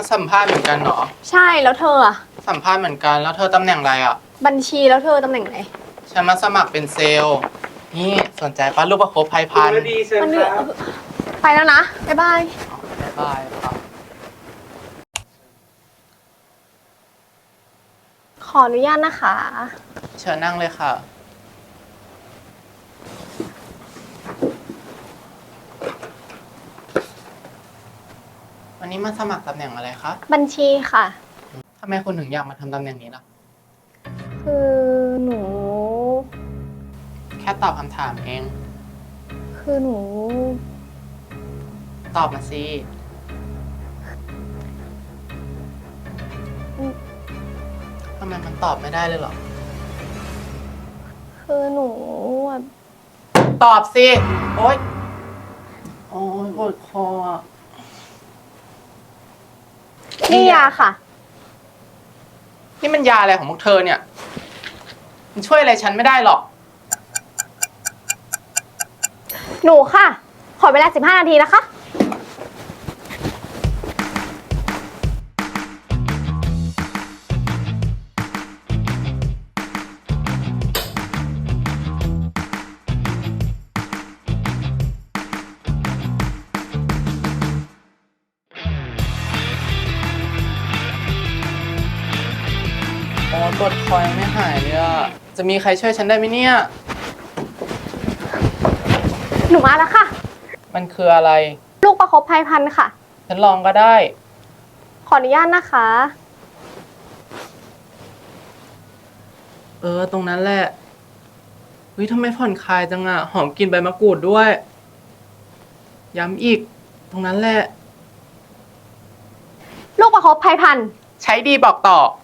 สัมภาษณ์เหมือนกันเหรอใช่แล้วเธออะสัมภาษณ์เหมือนกันแล้วเธอตำแหน่งอะไรอ่ะบัญชีแล้วเธอตำแหน่งไหนฉันมาสมัครเป็นเซลล์นี่สนใจปะลูกประคบภัยพันธุ์ดีเชิญมันครับไปแล้วนะบ๊ายบายบ๊ายบายครับขออนุญาตนะคะเชิญนั่งเลยค่ะวันนี้มาสมัครตำแหน่งอะไรคะบัญชีค่ะทำไมคุณถึงอยากมาทำตำแหน่งนี้ล่ะคือหนูแค่ตอบคำถามเองคือหนูตอบมาสิทำไมมันตอบไม่ได้เลยเหรอคือหนูอะตอบสิ โอ๊ย โอ๊ยปวดคออะนี่ยาค่ะนี่มันยาอะไรของพวกเธอเนี่ย มันช่วยอะไรฉันไม่ได้หรอกหนูค่ะ ขอเวลา15 นาทีนะคะโอ้ปวดคอยังไม่หายเลยอะจะมีใครช่วยฉันได้ไหมเนี่ยหนูมาแล้วค่ะมันคืออะไรลูกประคบภัยพันธุ์ค่ะฉันลองก็ได้ขออนุญาตนะคะตรงนั้นแหละเฮ้ยทำไมผ่อนคลายจังอะหอมกลิ่นใบมะกรูดด้วย ย้ำอีก ตรงนั้นแหละลูกประคบภัยพันธุ์ใช้ดีบอกต่อ